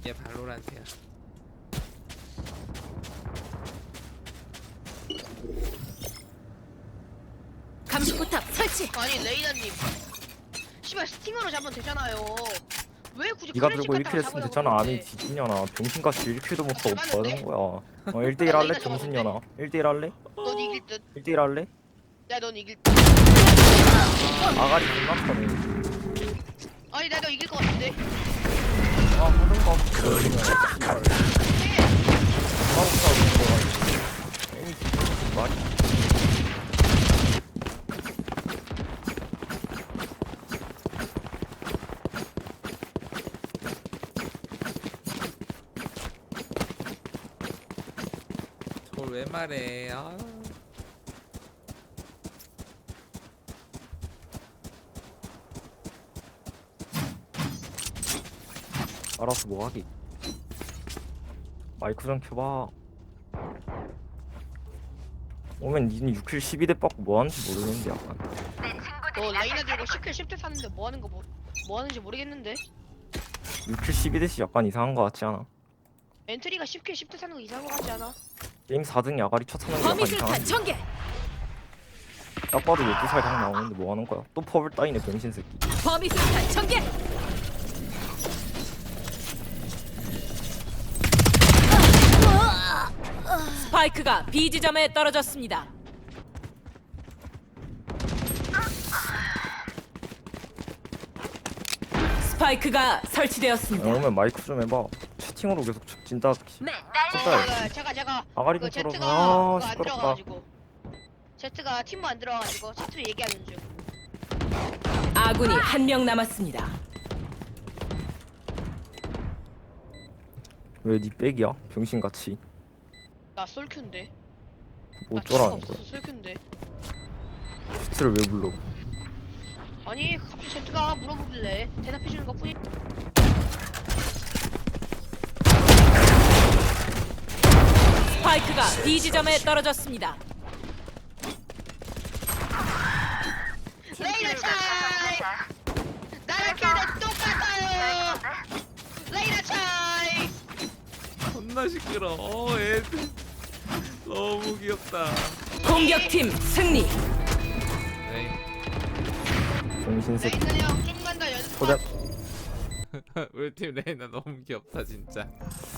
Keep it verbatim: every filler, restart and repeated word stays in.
이게 발로란트야. 감시포탑 설치. 아니 레이나님 씨발 스팅어로 잡으면 되잖아요. 왜 굳이 네가 클래식 들고 일 갖다가 킬 했으면 잡으려고 됐잖아. 아니 그러는데. 뒤집냐나 병신같이 일 킬도 못 하고 뭐 하는 거야. 어 일 대 일 나 할래? 레이나 정신년아 일 대 일 할래? 넌 이길 듯. 일 대 일 할래? 야 넌 이길 듯. 아가리 존나 터네. 아니 나도 이길 것 같은데. 아 하든가 그러면 해. 싸우자 이거 에이 말이 저걸 왜 말해? 아. 알아서 뭐 하기. 마이크 좀 켜봐. 오면 니는 육 킬 십이 대 받고 뭐 하는지 모르겠는데 약간. 너 레이나 들고 십 킬 십 대 샀는데 뭐 하는 거 뭐, 뭐 하는지 모르겠는데. 육 킬 십이 대씩 약간 이상한 거 같지 않아? 엔트리가 십 킬 십 대 사는 거 이상한 거 같지 않아? 게임 사 등이 아가리 첫 사는 게 약간 범위술탄 이상한데. 전개. 딱 봐도 열두 살 당 나오는데 뭐 하는 거야? 또 퍼블 따이네 병신 새끼. 범위술탄 전개. 스파이크가 B 지점에 떨어졌습니다. 스파이크가 설치되었습니다. 오면 마이크 좀 해봐. 채팅으로 계속 진짜 진짜 어, 제가 제가 아가리 그 좀 제트가 털어서 아 그거 안 시끄럽다. 들어가가지고 제트가 팀도 안 들어가가지고 제트로 얘기하는 중. 아군이 한 명 남았습니다. 왜니 백이야? 병신같이 나 솔큐인데. 뭐 나 친구가 어쩌라는 거야? 없어서 솔큐인데. 슈트를 왜 불러? 아니 갑자기 제트가 물어보길래 대답해주는 것 뿐이. 스파이크가 B 지점에 떨어졌습니다. 레이나 차이. 나랑 걔는 똑같아요. 레이나 차이. 겁나 시끄러. 어, 애들 너무 귀엽다. 공격팀 승리. 네. 병신 새끼. 레이나 형 좀만 더 연습. 소장 우리 팀 레이나 너무 귀엽다 진짜.